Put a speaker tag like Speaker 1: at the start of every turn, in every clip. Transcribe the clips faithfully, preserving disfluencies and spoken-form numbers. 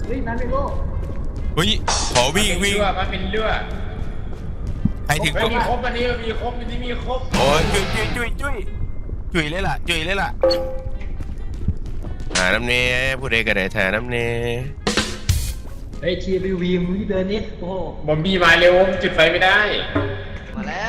Speaker 1: เฮ้ยนั่นเลยโล
Speaker 2: เฮ้ยขอวิ่งวิ่ง
Speaker 3: มันเป็นเลือด
Speaker 2: ใครถึง
Speaker 3: ไม่
Speaker 2: ตัว
Speaker 3: มีครบอันนี้มีครบอันนี้มีครบ
Speaker 2: โอ้ยจุยจุยจุยจุยจุยเลยล่ะจุยเลยล่ะหาน้ำเนยผู้ใดก็ได้หาน้ำเนย
Speaker 1: เฮ้ยทีรีวีมึงเดินนิดโอ้โห
Speaker 3: บอมบี้มาเร็วจุดไฟไม่ได้
Speaker 4: มาแล้ว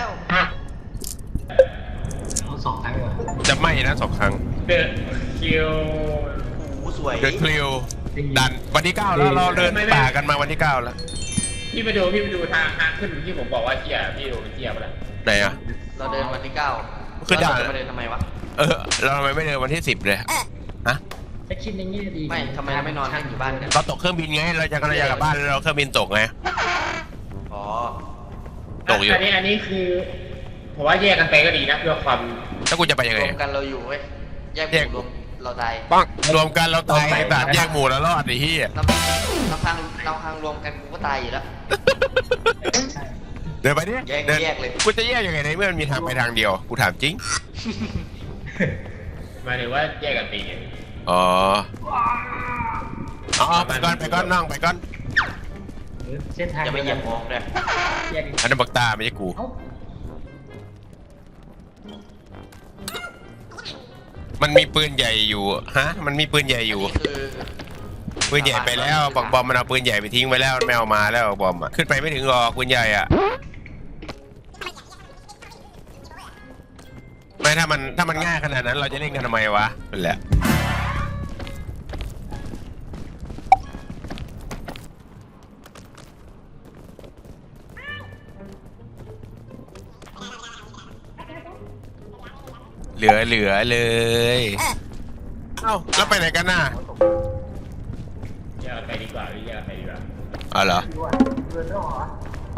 Speaker 1: เอาสองครั้งก่อน
Speaker 2: จะไหม้นะสองครั้ง
Speaker 3: เดอะคิว
Speaker 4: โอ้สวย
Speaker 2: เดินคลิวดันวันที่เก้าแล้วเราเดินป่ากันมาวันที่เก้าแล้ว
Speaker 3: พี่ไปดูพี่ไปดูทางทางขึ้นที่ผมบอกว่าเที่ยพี่ดูเที่ยไปแล้ว
Speaker 2: ไหนอ่ะ
Speaker 4: เราเดินวันที่เก้า
Speaker 2: คือด่าน
Speaker 4: เราจะมาเดินทำไมวะ
Speaker 2: เออเราทำไมไม่เดินวันที่สิบเลยฮะ
Speaker 1: ถ้าคิดอย่างนี้ดี
Speaker 4: ไม่ทำไมเราไม่นอนกันอยู่บ้านกัน
Speaker 2: เราตกเครื่องบินไงเราจะกำลังจะกลับบ้านเราเครื่องบินตกไง
Speaker 4: อ๋อ
Speaker 2: ตกอยู่
Speaker 3: อันนี้อันนี้คือผมว่าแยกกันไปก็ดีนะเพื่อความ
Speaker 2: แล้วกูจะไปยัง
Speaker 4: ร
Speaker 2: ไง
Speaker 4: วมกันเราอยู่เว้ยแยกห
Speaker 2: แยก
Speaker 4: มู่รวมเราตาย
Speaker 2: ปังรวมกันเราตายแต่แยกหมู่แล้วรอดไอ้เหี้ย
Speaker 4: เราเราพังเราพังรวมกันกูก็ตายอยู่แล้ว
Speaker 2: เดินไปดิ
Speaker 4: แยก
Speaker 2: ดิน
Speaker 4: แยกเลย
Speaker 2: กูจะแยกยังไงในเมื่อมันมีทางไปทางเดียวกูถามจริง
Speaker 3: หมายถึงว่าแยกกันไปไง
Speaker 2: อ๋ออ๋อไปก่อนไปก่อนน้องไปก่อน
Speaker 1: เส้นทาง
Speaker 4: อย่าไปเหยียบมองเลย
Speaker 1: แยก
Speaker 2: อันนั้นบักตาไม่ใช่กู
Speaker 1: เอ้า
Speaker 2: มันมีปืนใหญ่อยู่ฮะมันมีปืนใหญ่อยู่
Speaker 4: คือ
Speaker 2: ปืนใหญ่ไปแล้วบอกบอมมันเอาปืนใหญ่ไปทิ้งไปแล้วมันไม่เอามาแล้วบอมอ่ะขึ้นไปไม่ถึงหรอกปืนใหญ่อ่ะไม่ถ้ามันถ้ามันง่ายขนาดนั้นเราจะเล่นกันทำไมวะนั่นแหละเหลือเหลือเลยเอ้าแล้วไปไหนกันน่ะ
Speaker 3: แยกกันไปดีกว่าพี่แยกกันไปดีกว่า
Speaker 2: อ๋อเหรอ
Speaker 1: ดูอ่ะเดินแล้วเหรอ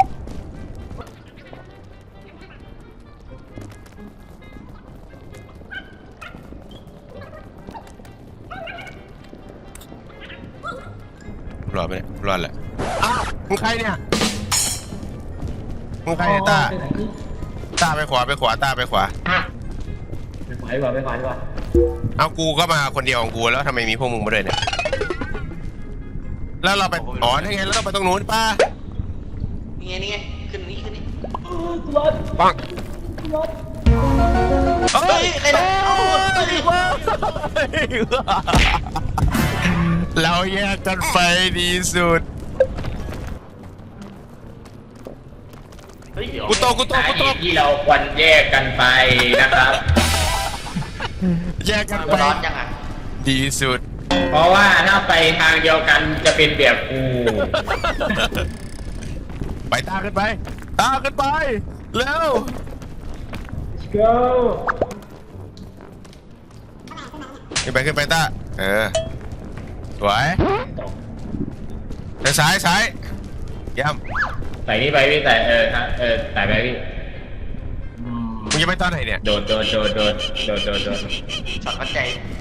Speaker 2: รอดไปเนี่ยรอดแหละอ้าวมึงใครเนี่ยมึงใครเนี่ยตา
Speaker 1: ไปไหนนี่
Speaker 2: ตาไปขวาไปขวาตาไปขวา
Speaker 1: ไปขวาดีกว่าไปขวาดีกว่า
Speaker 2: เอากูก็มาคนเดียวของกูแล้วทำไมมีพวกมึงมาด้วยเนี่ยแล้วเราไปอ๋อนี่ไงแล้วเราไปตรงนู้นป้า
Speaker 4: นี่ไงนี่ไงขึ้นนี่ขึ้นนี่
Speaker 1: กูรอด
Speaker 2: ปัง
Speaker 1: กูรอด
Speaker 2: เฮ้
Speaker 4: เฮ้
Speaker 2: ย
Speaker 4: ยใครนะเอาเฮ้ย
Speaker 2: เราแยกกันไปดีสุด
Speaker 4: เฮ้ยเดี๋ยว
Speaker 2: กูโตกูโตกูโต
Speaker 3: สาเหตุที่เราควรแยกกันไปนะครับ
Speaker 2: แยกกัน
Speaker 4: ตัว
Speaker 2: ไป
Speaker 4: ร้อนยังอ่ะ
Speaker 2: ดีสุด
Speaker 3: เพราะว่าถ้าไปทางเดียวกันจะเป็นแบบกู
Speaker 2: ไปตาขึ้นไปตาขึ้นไปเร็ว
Speaker 1: โก้
Speaker 2: ขึ้นไปขึ้นไปตาเออสวยเดี๋ยวซ้ายซ้ายเยี่ยม
Speaker 3: ใส่นี่ไปพี่ใส่เออฮะเออใส่ไปพี่
Speaker 2: มึงจะไปตอนไหนเนี่ย
Speaker 3: โดดโดดโดดโดดโดดโดดโดด
Speaker 4: ช็อตวัดใจ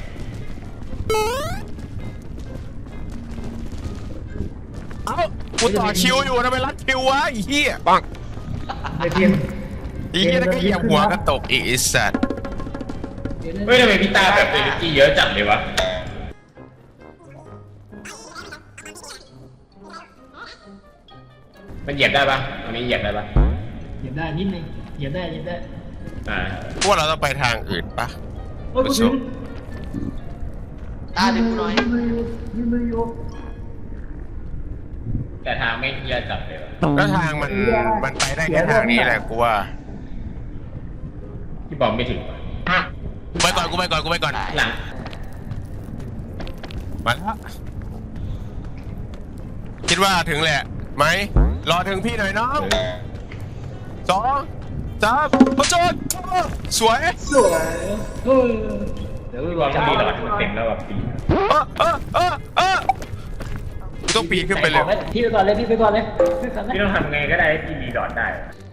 Speaker 2: เอ้ากูต่อคิวอยู่ทำไมรัดคิววะไอ้เหี้ยปัง
Speaker 1: ไอเพียง
Speaker 2: ไอ้เหี้ยแล้วก็เหยียบหัวกันตกอีกไอ้สัตว์
Speaker 3: เฮ้ยทำไมพี่ตาแบบเอเนจีเยอะจังเลยวะมันเหยียบได้ปะอันนี้เหยียบได้ปะ
Speaker 1: เหยียบได้นิดนึงเหยียบได้เหยียบได้
Speaker 3: อ่า
Speaker 2: พวกเราต้องไปทางอื่นปะ
Speaker 1: โอ้ยกูถึง
Speaker 4: ตาดึงกูหน่อย
Speaker 1: ยืนมืออยู่ยืนมืออยู่
Speaker 3: แต่ทางไม่เคลียร์จับเลยวะ
Speaker 2: แล้วทางมันมันไปได้แค่ทางนี้แหละกูว่า
Speaker 3: พี่บอมไม่ถึงวะ
Speaker 2: ไปก่อนกูไปก่อนกูไปก่อน
Speaker 3: หลัง
Speaker 2: มาแล้วคิดว่าถึงแหละไหมรอถึงพี่หน่อยน้องสองสามพระโจนสวย
Speaker 1: สวยเออเดี๋ยว
Speaker 3: พี่บอมจะมีหลอดมันเต็มแล้วแบบปี
Speaker 2: เออเออเออเออกูต้องปีนขึ้นไปเลย
Speaker 1: พี่ไปก่อนเลยพี่ไปก่อนเลยพี่ก่อนเลย
Speaker 3: พี่ต้องทำไงก็ได้ให้พี่มีหลอดได้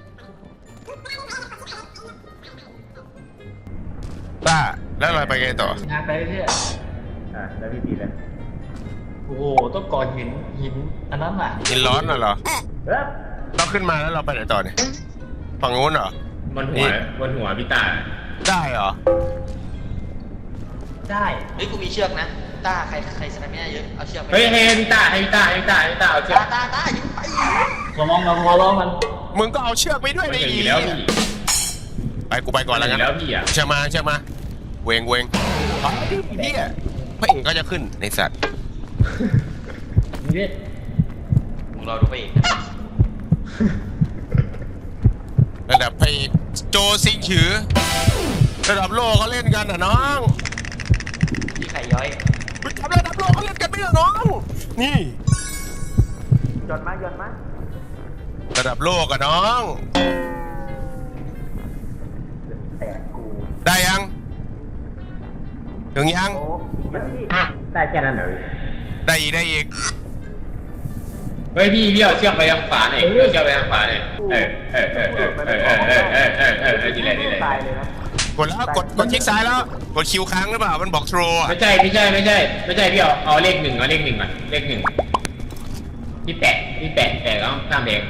Speaker 2: ต้าแล้วเราไปไงต่อ
Speaker 1: งานไปเรื่อย
Speaker 3: อ่าแล้วพี่ปีเลย
Speaker 1: โอ้โหต้องก่อหินหินอันนั้นอ่ะ
Speaker 2: กินร้อนน่ะเหรอ
Speaker 3: เฮ้ย
Speaker 2: เราขึ้นมาแล้วเราไปไหนต่อเนี่ยฝั่งนู้นเหรอบ
Speaker 3: นหัวบนหัวพี่ตา
Speaker 2: ได้เหรอ
Speaker 1: ได้
Speaker 4: เฮ้ยกูมีเชือกนะต้าใครใครสนามไม่ได้เยอะเอาเชือกไป
Speaker 3: เฮ้ยให้พี่ต้าให้พี่ต้าให้พี่ต้าให้พี่ต้าเอาเชือก
Speaker 4: ตาตาตายิงไป
Speaker 1: เรามองเรามองล้อมัน
Speaker 2: มึงก็เอาเชือกไปด้วย
Speaker 3: ไม่
Speaker 2: ดิ
Speaker 3: เคยอยู่แล้วพี่
Speaker 2: ไปกูไปก่อนแล้วกัน
Speaker 3: แล้วพี่อ่ะ
Speaker 2: เชือกมาเชือกมาเวงเวงอ๋อนี่พระเอกก็จะขึ้นในสัตว์
Speaker 1: นี่เด็ด
Speaker 4: มึงรอดูไปอีกนะ
Speaker 2: ระดับพระเอกโจซิงฉือระดับโลกเขาเล่นกันอ่ะน้อง
Speaker 4: พี่ไข่ย้อย
Speaker 2: มึงจำระดับโลกเขาเล่นกันไม่เหรอน้องนี่
Speaker 4: หย่อนมาหย่อนมา
Speaker 2: ระดับโลกอะน้อง
Speaker 4: แต่กู
Speaker 2: ได้ยังถึงยัง
Speaker 4: โอ้ได้แค่นั้นเหรอ
Speaker 2: ได้อีกได้อีก
Speaker 3: เฮ้ยพี่พี่เอาเชือกไปทางขวาหน่อยเอาเชือกไปทางขวาหน่อยเออเออเออเออเออเออเออเออเออเออเออดีเลยดีเลย
Speaker 4: ตายเลยนะ
Speaker 2: กดแล้วกดกดคลิกซ้ายแล้วกดคิวค้างหรือเปล่ามันบอกโทรอ่ะ
Speaker 3: ไม่ใช่ไม่ใช่ไม่ใช่ไม่ใช่พี่เอาเอาเลขหนึ่งเอาเลขหนึ่งก่อนเลขหนึ่งพี่แปะพี่แปะแปะแล้วข้ามเอง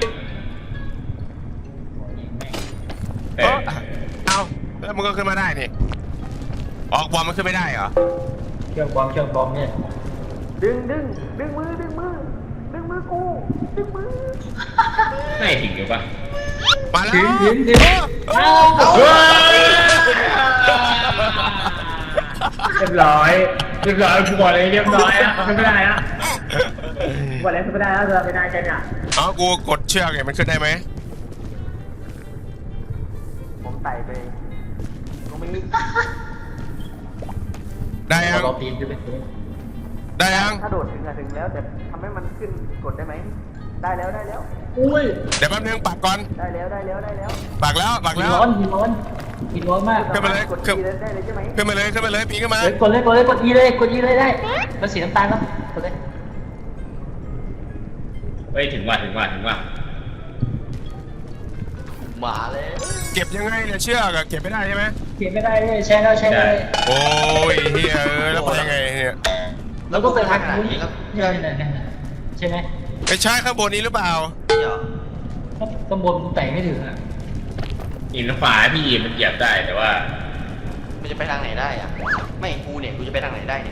Speaker 3: เอ
Speaker 2: เอ
Speaker 3: อ
Speaker 2: อเอาแล้วมันก็ขึ้นมาได้นี่ออกบอลมันขึ้นไม่ได้เหรอ
Speaker 1: เชือกบอมเชือกบอมเนี่ย
Speaker 4: ดึงดึงดึงมือดึงมือดึงมือกูดึงมือ
Speaker 3: ไม่ถึงอยู่ปะ
Speaker 2: มาแล้ว
Speaker 1: ถึงถึงถึง
Speaker 2: เออ
Speaker 3: เรียบร้อยเรียบร้อยกูบอกเลยเรียบร้อยอ่ะไม่ได้อ่ะ
Speaker 4: วันแล้วไม่ได้แล้วจะไม่ได้กันอ่ะ
Speaker 2: เอากูกดเชือกไงมันขึ้นได้ไหม
Speaker 4: ผมไต่ไปตรงนี้
Speaker 2: ได้ยัง
Speaker 1: เราปีนขึ้นไปถึง
Speaker 2: ได้ยัง
Speaker 4: ถ้าโดดถึงอะถึงแล้วแต่ทำให้มันขึ้นกดได้ไหมได้แล้วได้แล้ว
Speaker 1: อุ้ย
Speaker 2: เดี๋ยวแป๊บนึงปักก่อน
Speaker 4: ได้แล้วได้แล้วได้แล้ว
Speaker 2: ปักแล้วปัก
Speaker 1: หิน
Speaker 2: แล้ว
Speaker 1: ร้อนหินร้อนหินร้อนมาก
Speaker 2: ขึ้นมาเลย
Speaker 4: กด
Speaker 2: ขึ้น
Speaker 4: ทีเลยได้เลยใช่ไหม
Speaker 2: ขึ้นมาเลยขึ้นมาเลยปีนขึ้นมา
Speaker 1: เฮ้ยกดเลยกดเลยกดอีเลยกดอีเลยได้มันสีน้ำตาลครับกดเลย
Speaker 3: เฮ้ยถึงว่าถึงว่าถึงว่า
Speaker 4: หมาเลย
Speaker 2: เก็บยังไงเนี่ยเชือกอะเก็บไม่ได้ใช่ไหม
Speaker 1: เขียนไม่ได้เลยใช้แล้วใช้เลย
Speaker 2: โอ้ยเฮียเออแล้วไปยังไงเนี่ย
Speaker 1: เราก็ไปทางนู้นใช่ไหมใช่ไหม
Speaker 2: ไม่ใช่ข้างบนนี้หรือเปล่า
Speaker 4: เดี๋ยว
Speaker 1: ข้างบนมันแต่งไม่ถึงอ่ะ
Speaker 3: หินฝาพี่มันเหยียบได้แต่ว่า
Speaker 4: มันจะไปทางไหนได้อะไม่กูเนี่ยกูจะไปทางไหนได้เนี่ย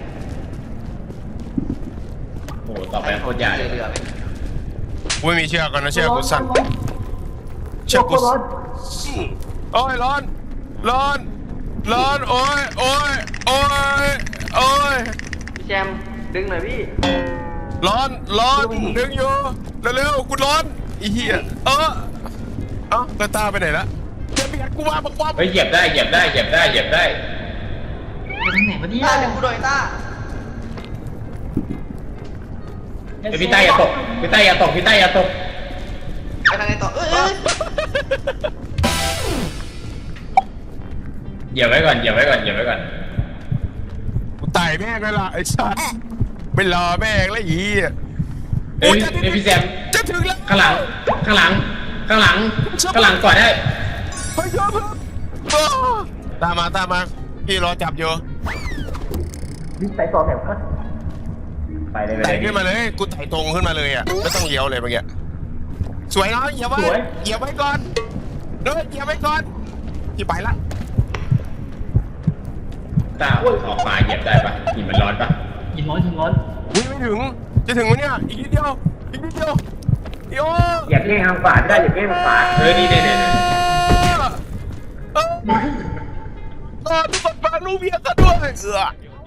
Speaker 3: โอ้โหต่อไปโคตรยากเลย
Speaker 4: เรือไหม
Speaker 2: กูไม่มีเชือกก่อนนะเชือกกูสั่นเชือกกูโอ้ยร้อนร้อนร้อนโอ้ยโอ้ยโอ้ยโอ้ย
Speaker 4: พี่แจมดึงหน่อยพี่
Speaker 2: ร้อนร้อนดึงอยู่เร็วๆกูร้อนอีเหี้ยเออเอ้าตาตาไปไหนละจะเบียดกูมาบอกว่า
Speaker 3: เฮ้ยเหยียบได้เหยียบได้เหยียบได้เหยียบได้
Speaker 1: ไปทางไหนวะเนี่ย
Speaker 4: ต้าดึงกูหน่อยต้า
Speaker 3: เฮ้ยพี่ใต้อย่าตกพี่ใต้อย่าตกพี่ใต้อย่าตก
Speaker 4: ไปทางไหนต่อเอ้ยเอ้ย
Speaker 3: เหยียบไว้ก่อนเหยียบไว้ก่อนเหยียบไว้ก่อน
Speaker 2: กูตายแม่งเลยล่ะไอ้สัสไม่รอแม่งแล้วอีอ่ะ
Speaker 3: เฮ้ยเฮ้ยพี่แซม
Speaker 2: จะถึงแล้ว
Speaker 3: ข้างหลังข้างหลังข้างหลังข้างหลังก่อนได้
Speaker 2: เฮ้ยเยอะเพิ่มโอ้ตามมาตามมาพี่รอจับอยู่
Speaker 4: พี่ใส่ต่อแถวก็
Speaker 3: ไปเลยไป
Speaker 2: ไต่
Speaker 3: เลย
Speaker 2: ขึ้นมาเลยกูไต่ตรงขึ้นมาเลยอ่ะไม่ต้องเลี้ยวเลยเมื่อกี้สวยเนาะเหยียบไว้เหยียบไว้ก่อนเด้อเหยียบไว้ก่อนพี่ไปละ
Speaker 3: ต้าออกมาเหยียบได้ปะหินมันร้อนปะ
Speaker 1: หินร้อนหินร้อน
Speaker 2: วิ่งไม่ถึงจะถึงไหมเนี่ยอีกนิดเดียวอีกนิดเดียวโอ้
Speaker 3: เหยียบแง่ทางขวาไม่ได้เหยียบแง่ทางขวาเฮ้ยนี่เนี่ยเนี่ย
Speaker 2: เออเออทุกคนฟังลูกเมียกันด้วยเออ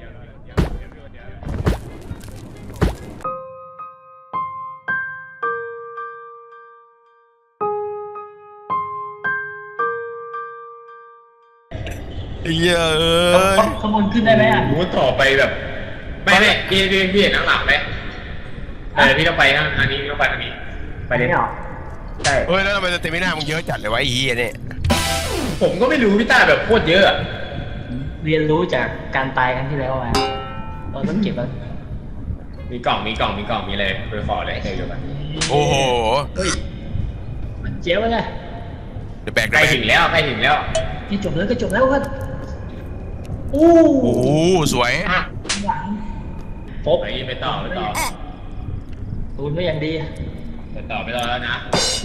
Speaker 2: เหี้ยเอ้ย
Speaker 1: ขบวนขึ้นได้ไหมอ่ะ
Speaker 3: รู้ต่อไปแบบไม่ไม่พี่พี่พี่เห็นข้างหลังไหมเออพี่ต้องไปทางทางนี้ต้องไปทางนี้ไปเลยใช่
Speaker 2: เฮ้ยแล้วทำไมสเตมิน่ามึงเยอะจัดเลยวะไอ้เหี้ยเนี่ย
Speaker 3: ผมก็ไม่รู้พี่ต้าแบบโคตรเยอะอะ
Speaker 1: เรียนรู้จากการตายครั้งที่แล้วมาเราต้องเก็บแล้ว
Speaker 3: มีกล่องมีกล่องมีกล่องมีอะไรไปขอเลยเดี๋ยวกัน
Speaker 2: โอ้โห
Speaker 1: เฮ้ยมันเจ๋วเลย
Speaker 2: เดี๋ยวแบก
Speaker 3: ใกล้ถึงแล้วใกล้ถึงแล้ว
Speaker 1: ที่จบแล้วก็จบแล้วก็อู้
Speaker 2: โอ้โหสวย
Speaker 1: หลัง
Speaker 3: ครบไปต่อไปต่อ
Speaker 1: ตูนก็ยังดี
Speaker 3: ไปต่อไปต่อแล้วนะ
Speaker 1: นะ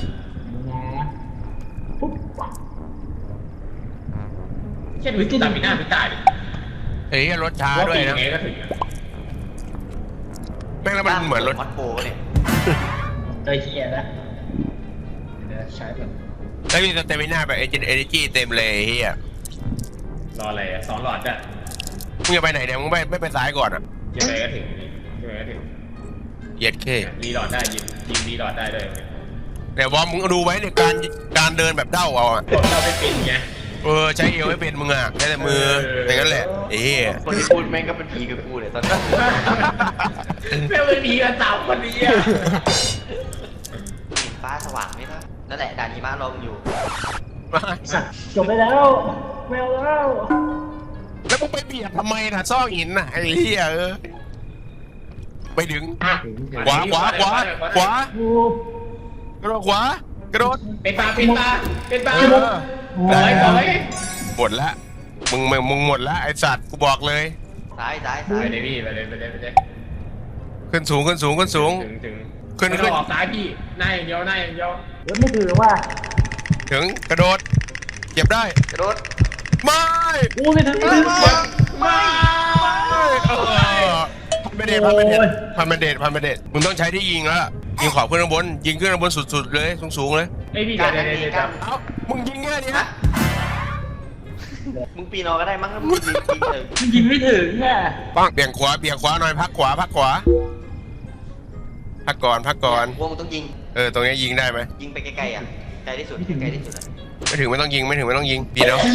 Speaker 1: ปุ๊บ
Speaker 3: แค่ดูที่ตามีหน้าพี่ต้าดิ
Speaker 2: เฮ้ยรถช้า
Speaker 3: ว่า
Speaker 2: ด้วย
Speaker 3: ปี
Speaker 2: นะ
Speaker 3: ไงก็ถึงอะ
Speaker 2: แล้วมันเหมือนรถ
Speaker 5: มอสโบเนี่ย
Speaker 1: เตยเฮียนะเดี๋ยวใช้แบบ
Speaker 2: แล้วมีสเตมิน่าแบบเอเจนต์เอเนจีเต็มเลยเฮีย
Speaker 3: รออะไรอ่ะสองหลอดอ่ะ
Speaker 2: มึงจะไปไหนเนี่ยมึงไม่ไม่ไปซ้ายก่อนอ่ะ
Speaker 3: ยังไงก็ถึงยังไงก็ถึง
Speaker 2: เหยียดเค
Speaker 3: รีหลอดได้ยิงยิงรีหลอดได้ด้วย
Speaker 2: แต่วอมมึงดูไว้ในการการเดินแบบเด้าเอาอ่ะ
Speaker 3: กดเราไปปิดไง
Speaker 2: เออใช้เอวไม่เป็นมึงอ่ะใช้แต่มืออย่างนั้นแหละเอ้ย
Speaker 5: คนที่พูดแม่งก็เป็นผีกับกูเลยตอนนี้
Speaker 3: แม่งเป็นผีกันสามคนนี้อ่ะ
Speaker 5: ฟ้าสว่างไหมนะนั่นแหละด่านหิมะลมอยู่
Speaker 1: สัตว์จบไปแล้วไม่เอาแล้ว
Speaker 2: แล้วมึงไปเบียดทำไมน่ะซอกหินน่ะไอ้เหี้ยเออไปถึงขวาขวาขวาขวา
Speaker 1: กู
Speaker 2: กระโดดขวากระโดด
Speaker 3: เป็นตาเป็นตาเป็นตา
Speaker 2: เออ
Speaker 3: ปล่อยปล่อย
Speaker 2: หมดละมึงมึงมึงหมดละไอสัตว์กูบอกเลย
Speaker 5: ซ้ายซ้าย
Speaker 3: ไป
Speaker 5: ซ้าย
Speaker 3: เลยพี่ไปเลยไปเลยไปเลย
Speaker 2: ขึ้นสูงขึ้นสูงขึ้นสูง
Speaker 3: ถึงถึง
Speaker 2: ขึ้น
Speaker 3: ไม่
Speaker 2: ขึ้
Speaker 3: ต้อน งออกซ้ายพี่หน้าอย่างเดียวหน้าอย่างเดียว
Speaker 1: เดี๋ยวไม่ถือว่า
Speaker 2: ถึงกระโดดเก็บได้
Speaker 5: กระโดด
Speaker 2: ไม่
Speaker 1: กูไม่ถึง
Speaker 5: ไม่ไม่
Speaker 3: ไม่
Speaker 2: เออพันเมเดตพันเมเดตพันเมเดตพันเมเดตมึงต้องใช้ที่ยิงแล้วล่ะยิงขอบขึ้นข้างบนยิงขึ้นข้างบนสุดๆเลยสูงๆเลย
Speaker 3: ไอพี่
Speaker 5: กา
Speaker 3: เดี๋
Speaker 5: ร
Speaker 3: ยว
Speaker 5: นั่น
Speaker 3: เดี๋ยว
Speaker 5: เอง
Speaker 3: เดี๋ยว
Speaker 5: การ
Speaker 2: เอ้ามึงยิงแค่นี้
Speaker 5: ฮะมึงปีนออกก็ได้มั้งถ้ามึงยิงยิงเลย
Speaker 1: ยิงไม่ถึงอ่ะ
Speaker 2: ปังเบี่ยงขวาเบี่ยงขวาหน่อยพักขวาพักขวาพักก่อนพักก่อน
Speaker 5: ว่ามึงต้องยิง
Speaker 2: เออตรงนี้ยิงได้ไหม
Speaker 5: ยิงไปไกลๆอ่ะไกลที่สุดไกลที่สุดอะ
Speaker 2: ไม่ถึงไม่ต้องยิงไม่ถึงไม่ต้องยิงดีแล้ว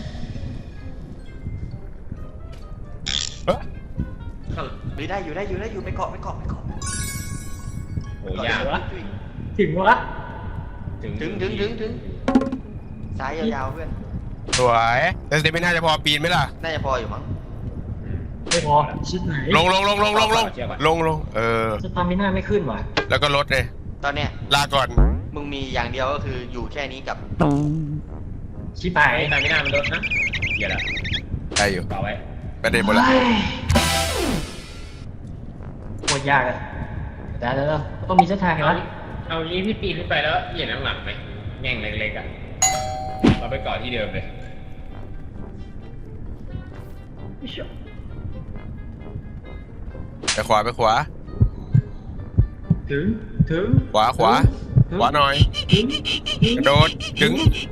Speaker 2: เอ้ย
Speaker 5: หรือได้อยู่ได้อยู่ได้อยู่ไปเกาะไปเกาะไปเกาะ
Speaker 3: โอ้ยาก
Speaker 5: จุ้ย
Speaker 1: ถึงวะ
Speaker 3: ถึง
Speaker 5: ถึงถึงถึงถึงซ้ายยาวๆเพื่อน
Speaker 2: สวยแต่สเตปไม่น่าจะพอปีนไหมล่ะ
Speaker 5: น่าจะพออยู่มั้ง
Speaker 1: ไม่พอชิดไหน
Speaker 2: ลงลงลงลงลงลงลงลงเออ
Speaker 1: สตามิน่าไม่ขึ้นว่ะ
Speaker 2: แล้วก็ลดเลย
Speaker 5: ตอนเนี้ย
Speaker 2: ลาก่อน
Speaker 5: มึงมีอย่างเดียวก็คืออยู่แค่นี้กับ
Speaker 1: ชิบหาย
Speaker 3: ไอ้ตาไม่น่ามันลดนะเดี๋ยวละ
Speaker 2: ได้อยู่
Speaker 3: ต่อไว้
Speaker 2: ประเด็นหมดละ
Speaker 1: เฮ้ยโคตรยากเลยแต่แล้วต้องมีเส้นทางไง
Speaker 3: เอา
Speaker 1: วะ
Speaker 3: เอางี้พี่ปีนขึ้นไปแล้วเหยียดน้ำหลังไหมแง่งเล็กๆอ่ะเราไปเกาะที่เดิมเลย
Speaker 2: ไปขวาไปขวา
Speaker 1: ถึงถึง
Speaker 2: ขวาขวาขวาหน่อย
Speaker 1: ถึงถึง
Speaker 2: กระโดดถึง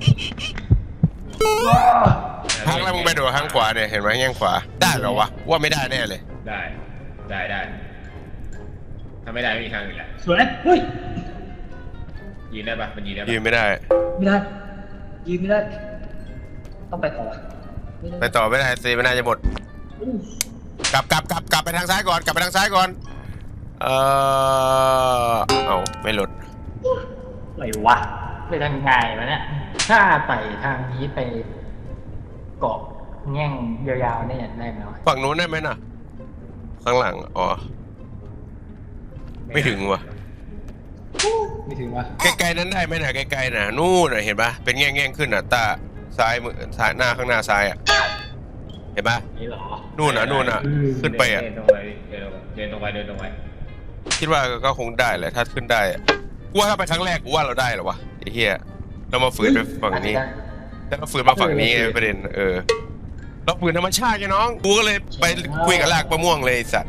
Speaker 2: ทางแล้วมึงไปโดดทางขวาเนี่ยเห็นไหมแง่งขวาได้เหรอวะว่าไม่ได้แน่เลย
Speaker 3: ได้ได้ได้ถ้าไม่ได้ไม่มีทางอื่นแหละ
Speaker 1: สวยเฮ้ย
Speaker 3: ยืนได้ปะมันยืนได้ปะ
Speaker 2: ยืนไม่ได้
Speaker 1: ไม่ได้ยืนไม่ได้ ต้องไปต่อ
Speaker 2: ไปต่อไม่ได้เซไม่น่าจะหมด
Speaker 1: อู้
Speaker 2: กลับกลับกลับกลับไปทางซ้ายก่อนกลับไปทางซ้ายก่อนเออเอาไม่หลุด
Speaker 1: อะไรวะไปทางไงวะเนี่ยถ้าไปทางนี้ไปเกาะแง่งยาวๆเนี่ยได้ไหมวะ
Speaker 2: ฝั่งนู้นได้ไหมน่ะ ข้างหลังอ๋อไม่ถึงว่ะ
Speaker 1: ไม่ถึงวะ
Speaker 2: ใกล้ๆนั้นได้ไหมน่ะใกล้ๆน่ะนู่นน่ะเห็นปะเป็นแง่งๆขึ้นน่ะตาซ้ายมือซ้ายหน้าข้างหน้าซ้ายอ่ะเห็นปะ
Speaker 1: นี่เหรอ
Speaker 2: นู่นน่ะนู่นน่ะขึ้นไปอ่ะ
Speaker 3: เดินตรงไปเดินตรงไปเดินตรงไป
Speaker 2: คิดว่าก็คงได้แหละถ้าขึ้นได้อะกูว่าถ้าไปครั้งแรกกูว่าเราได้เหรอวะไอ้เหี้ยเรามาฝืนไปฝั่งนี้แต่เราฝืนมาฝั่งนี้ไงประเด็นเออเราฝืนธรรมชาติไงน้องกูก็เลยไปคุยกับลากมะม่วงเลยไอ้สัตว์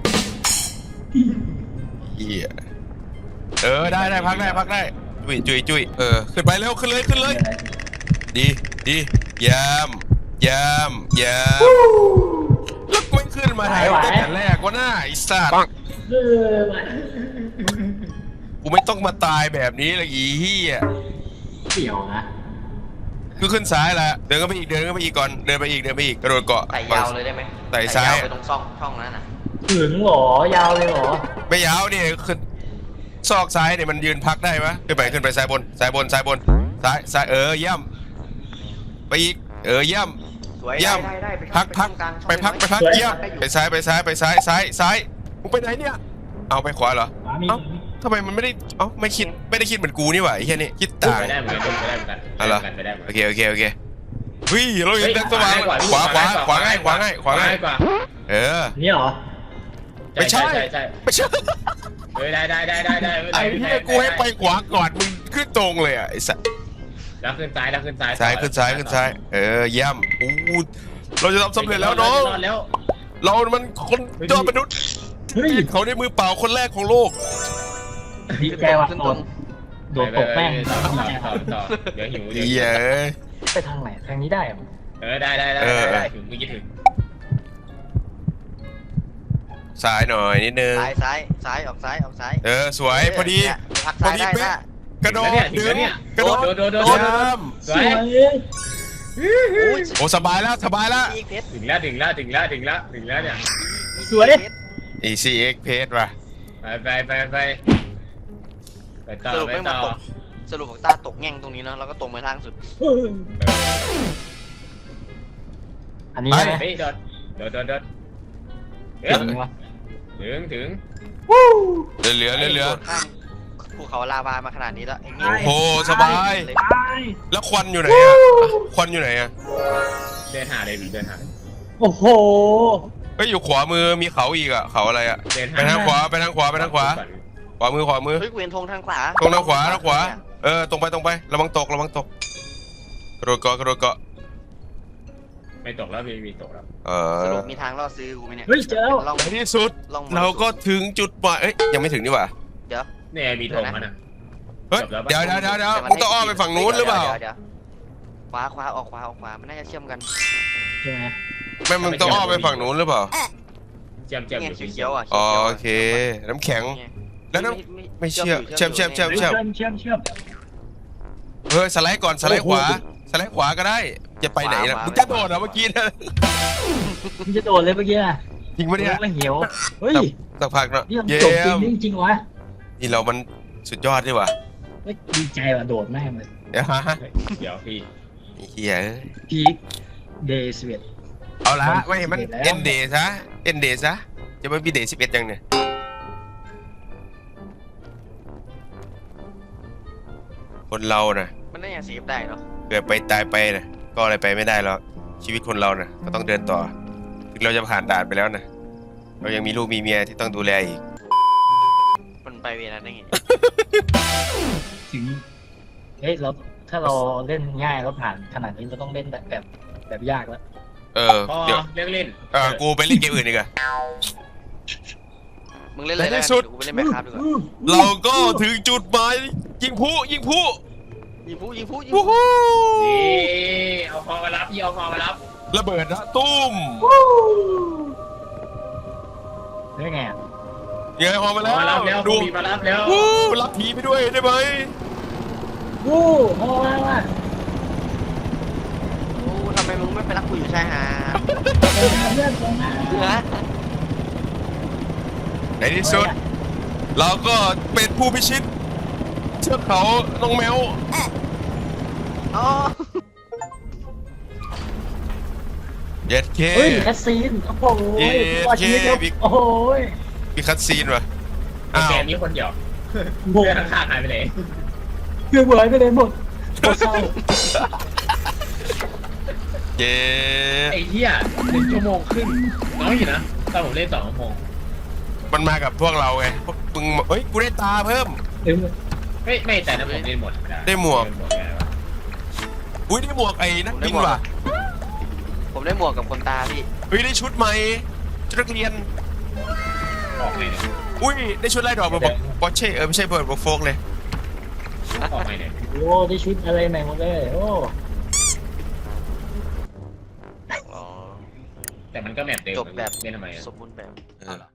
Speaker 2: เหี้ยเออได้ได้พักได้พักได้จุยจุยจุยเออขึ้นไปเร็วขึ้นเลยขึ้นเลย ดีดียามยามยามแล้วกูไม่ขึ้นมาถ่ายตั้งแต่แรกว่าหน้าไอ้สัตว์
Speaker 1: เออว่ะ
Speaker 2: กูไม่ต้องมาตายแบบนี้เลยอีเหี้ย
Speaker 1: เกี่ยวนะ
Speaker 2: คือขึ้นซ้ายละเดินก็ไปอีกเดินก็ไปอีกก่อนเดินไปอีกเดินไปอีกกระโดดเกาะ
Speaker 5: ไต่ยาวเลยได้ไหม
Speaker 2: ไต่ซ้าย
Speaker 5: ยาวไปตรงช่องช่องนั้นน่ะ
Speaker 1: ถึงเหรอยาวเลยเหรอ
Speaker 2: ไม่ยาวเนี่ยขึ้นซอกซ้ายเนี่ยมันยืนพักได้ปะขึ้นไปขึ้นไปซ้ายบนซ้ายบนซ้ายบนซ้ายซ้ายเออย่ำไปอีกเออย่ำ
Speaker 5: สวย
Speaker 2: ย่
Speaker 5: ได้ได้ได้
Speaker 2: ำพักพักไปพักไปพักเยี่ยมไปซ้ายไปซ้ายไปซ้ายซ้ายซ้ายมึงไปไหนเนี่ยเอาไปขวาเหรอ
Speaker 1: ขวามี
Speaker 2: เอ้าทำไมมันไม่ได้เอ้าไม่คิดไม่ได้คิดเหมือนกูนี่หว่าไอ้แค่นี้คิดต่าง
Speaker 3: ไปได้เหมือนกันไปได้เหมือนกัน
Speaker 2: อะไร
Speaker 3: ไปได้เหมือน
Speaker 2: โอ
Speaker 3: กัน
Speaker 2: เคโอเคโอเควิ่งเราเห็นแสงสว่างขวาขวาขวาง่ายขวาง่ายขวาง่าย
Speaker 3: กว่า
Speaker 2: เออ
Speaker 1: นี่เหรอ
Speaker 2: ไม่ใช่
Speaker 3: ใช่ใช่
Speaker 2: ไม่ใช่
Speaker 3: เฮ้ยได้ได้ได้ได้ได้
Speaker 2: ไอ้เนี่ยกูให้ไปขวาก่อนมึงขึ้นตรงเลยอ่ะไอ้สัส
Speaker 3: แล้วขึ้นซ้ายแล้วขึ้นซ้าย
Speaker 2: ซ้ายขึ้นซ้ายขึ้นซ้ายเออย่ำอู้เราจะทำสำเร็จแล้วน้อง
Speaker 3: รอดแล้ว
Speaker 2: เรามันคนยอดมนุษย์
Speaker 1: เฮ้ย
Speaker 2: เขาได้มือเปล่าคนแรกของโลก
Speaker 1: ดีใจว่ะ
Speaker 5: ขึ้น
Speaker 1: โด
Speaker 5: ตร
Speaker 1: น
Speaker 5: ง
Speaker 1: โดนตกแม่ง
Speaker 3: ต่อต่อต่อต่อเดี๋ยวหิวเดี๋ยวหิ
Speaker 2: เหี้ยว เอ้ย
Speaker 1: ไปทางไหนทางนี้ได้เหรอ
Speaker 3: เออได้ได้ได้
Speaker 2: เออ
Speaker 3: ได้ถึงเมื่อกี้ถึง
Speaker 2: ซ้ายหน่อยนิดนึง
Speaker 5: ซ้ายซ้ายซ้ายออกซ้ายออกซ้าย
Speaker 2: เออสวยพอดี
Speaker 5: เนี่ยพัก
Speaker 2: พอ
Speaker 5: ซ้าย
Speaker 2: ดี
Speaker 5: ได้
Speaker 2: เป๊ะ
Speaker 5: นะ
Speaker 2: กระโดด
Speaker 3: ถึงแล้วเนี่ย
Speaker 2: กระโดด
Speaker 3: โดดโดดโดด
Speaker 2: โด
Speaker 3: โด
Speaker 2: ด
Speaker 3: ด
Speaker 2: น้
Speaker 3: สวย
Speaker 2: ำโอ้สบายแล้วสบายแล้ว
Speaker 5: อีกเพชร
Speaker 3: ถึงแล้วถึงแล้วถึงแล้วถึงแล้วถึงแล้วเนี่ย
Speaker 1: สวย
Speaker 2: อีซีเอ็กเพจว่ะ
Speaker 3: ไปไปไปไปไปต่อ
Speaker 5: สรุป
Speaker 3: ไป
Speaker 5: ไม่มา
Speaker 3: ต่อ
Speaker 5: ตกสรุปของตาตกแง่งตรงนี้เนาะแล้วก็ตรงไปทางสุด
Speaker 1: อันนี้ใช่ไหม
Speaker 3: เฮ้ยโดดโดดโดดโดดเอ
Speaker 1: ถึ
Speaker 3: อง
Speaker 1: วะ
Speaker 3: ถึงถึง
Speaker 2: เหลือเหลือเหลือ
Speaker 5: โดดข้ามภูเขาลาวามาขนาดนี้แล้วไอ้เงี้ย
Speaker 2: โอ้โหสบาย
Speaker 5: เลย
Speaker 1: ไป
Speaker 2: แล้วควันอยู่ไหนอ่ะควันอยู่ไหนอ่ะ
Speaker 3: เดินหาเลยดิเดินหา
Speaker 1: โอ้โห
Speaker 2: เฮ้ยอยู่ขวามือมีเขาอีกอ่ะเขาอะไรอ่ะ
Speaker 3: เดินหา
Speaker 2: ไปทางขวาไปทางขวาไปทางขวาขวามือขวามือ
Speaker 5: เฮ้ยเกวียนธงทางขวา
Speaker 2: ตรงทางขวาทางขวาเออตรงไปตรงไประวังตกระวังตกกระโดดเกาะกระโดดเกาะ
Speaker 3: ไม่ตกแล้วมีมีตกแล้ว
Speaker 2: เอ
Speaker 5: ส
Speaker 2: อ
Speaker 5: รุปมีทางล่อซื้อกูไหมเนี่ย
Speaker 1: เฮ้ยเจอแล้ว
Speaker 5: ลอง
Speaker 2: ในที่สุด
Speaker 5: ลอง
Speaker 2: เราก็ถึงจุดหมายเอ้ยยังไม่ถึงนี่หว่า
Speaker 5: เดี๋ยว
Speaker 3: เนี่ยมีธงมันอ่ะ
Speaker 2: เฮ้ย
Speaker 3: จบแล้วปะ
Speaker 2: เดี๋ยวเดี๋ยวเดี๋ยวเดี๋ยวมึงต้องอ้อมไปฝั่งนู้นหรือเปล่า
Speaker 5: ดี๋ยวดี๋ยวขวาขวาออกขวาออกขวามันน่าจะเชื่อมกัน
Speaker 1: ใช่ไหม
Speaker 2: ไม่มึงต้องอ้อมไปฝั่งนู้นหรือเปล่า
Speaker 3: เจียมเจียม
Speaker 5: เงี้
Speaker 3: อย ยู่
Speaker 5: เขียวๆอ่ะ
Speaker 2: อ๋อ
Speaker 5: ขียวๆะ
Speaker 2: โอเคน้ำแข็ง
Speaker 5: เนี่ย
Speaker 2: แล้วน้ำ ไม่เชื่อเชื่อมเชื่อมเชื่อม
Speaker 1: เชื่อมเชื่อมเชื่อม
Speaker 2: เฮ้ยสไลด์ก่อนสไลด์ขวาสไลด์ขวาก็ได้จะไปไหนนะมึงจะโดดเหรอเมื่อกี้นะ
Speaker 1: มึงจะโดดเลยเมื่อกี้นะ
Speaker 2: จริงปะเนี่ย
Speaker 1: ไม่เหี่ยวเฮ้ย
Speaker 2: สักพักเนาะ
Speaker 1: นี่มัน
Speaker 2: เยี่
Speaker 1: จบจริ
Speaker 2: ย
Speaker 1: ง
Speaker 2: ม
Speaker 1: จริงวะ
Speaker 2: นี่เรามันสุดยอดดีว่ะ
Speaker 1: เฮ้ยดีใจว่ะโดดแม่งเลย
Speaker 2: เดี๋ยวฮะ
Speaker 3: เดี๋ยวพี่
Speaker 2: ไอ้เฮียเอ้ย
Speaker 1: พีคเดย์สเวต
Speaker 2: เอาละไม่มัน
Speaker 1: สิบเอ็ดแล้ว
Speaker 2: เอ็นเดย์ซะเอ็นเดย์ซะจะไม่มีเดย์สิบเอ็ดยังเนี่ยคนเราน่ะ
Speaker 5: มันน่าจะเซฟได้เนาะ
Speaker 2: เกิดไปตายไปน่ะก็อะไรไปไม่ได้หรอกชีวิตคนเราน่ะก็ต้องเดินต่อถึงเราจะผ่านด่านไปแล้วนะเรายังมีลูกมีเมียที่ต้องดูแลอีก
Speaker 5: มันไปเวลาได้ไง
Speaker 1: ถึงเฮ้ยเราถ้าเราเล่นง่ายเราผ่านขนาดนี้เราต้องเล่นแบบแบบแบบยากแล้ว
Speaker 2: เออ
Speaker 3: พอ
Speaker 2: เดี๋ยว
Speaker 3: เล่นเล่น
Speaker 2: เออกูไปเล่นเกมอื่นดีกว่า
Speaker 5: มึงเล่นอะไร
Speaker 2: ในที่
Speaker 5: แล้ว
Speaker 2: สุด
Speaker 5: กูไปเล่นแมคคราฟดีกว่า
Speaker 2: เราก็ถึงจุดหมายยิงผู้ยิงผู้
Speaker 5: ยิงผู้ยิงผู้ยิง
Speaker 2: วู้
Speaker 5: ผู้
Speaker 2: ฮู้
Speaker 3: นี่เอาคอมารับพี่เอาคอมารับ
Speaker 2: ระเบิดนะตุ้ม
Speaker 1: ได้ไงอะ
Speaker 2: เงยพอมา
Speaker 3: ค
Speaker 2: แล้
Speaker 3: อ
Speaker 2: ว
Speaker 3: มารับแล้ว
Speaker 2: ดู
Speaker 3: มีมารับแล้ว
Speaker 2: วู้รับผีไปด้วยได้ไหม
Speaker 1: วู้พอแล้วว่ะ
Speaker 5: โอ้ทำไมมึงไม่ไปรักกูอยู่ชายหาด
Speaker 1: เดินมาเพื่อนตรงมา
Speaker 5: ฮะ
Speaker 2: ในที่สุด เราก็เป็นผู้พิชิตเชือกเขาลงแมว
Speaker 5: อ๋อ
Speaker 2: เย็ดเค
Speaker 1: เฮ้ยแคสซีนโอ้โห
Speaker 2: เย้
Speaker 1: รอดชีวิตครับ
Speaker 2: เย้
Speaker 1: โอ้โห
Speaker 2: มีคัตซีนว่ะ
Speaker 3: ไอ้
Speaker 2: อ้าว
Speaker 3: แกนี้คนเดียว
Speaker 1: โบ
Speaker 3: เพื่อนข้างๆหายไปไหน
Speaker 1: เพื่อนเหมือนไปเลยหมดโคตรเศร้า
Speaker 2: เย้
Speaker 3: ไอ้เหี้ยหนึ่งชั่วโมงครึ่งน้อยอยู่นะตอนผมเล่นสองชั่วโมง
Speaker 2: มันมากับพวกเราไงพวกมึงเฮ้ยกูได้ตาเพิ่ม
Speaker 1: เต็ม
Speaker 3: ไม่ไม่แต่ถ้าผมเล่นหมดนะ
Speaker 2: ได้หมวก
Speaker 3: เล่นหมดไงวะ
Speaker 2: อุ้ยได้หมวกไอ้นักบินว่ะ
Speaker 5: ผมได้หมวกกับคนตาพี่
Speaker 2: เฮ้ยได้ชุดใหม่ชุดนักเรียน
Speaker 3: ออกไงเนี่ย
Speaker 2: อุ้ยได้ชุดไล่ดอกมาบอกบอเช่เออไม่ใช่เบิร์ดบอกโฟกเลย
Speaker 3: ออกไงเนี่ย
Speaker 1: โอ้ได้ชุดอะไรใหม่หมดเลยโอ้
Speaker 5: อ๋อ
Speaker 3: แต่มันก็แมปเดิม
Speaker 5: จบแบบ
Speaker 3: เล่นทำไมอะ
Speaker 5: สมบูรณ์แบบ
Speaker 2: เออ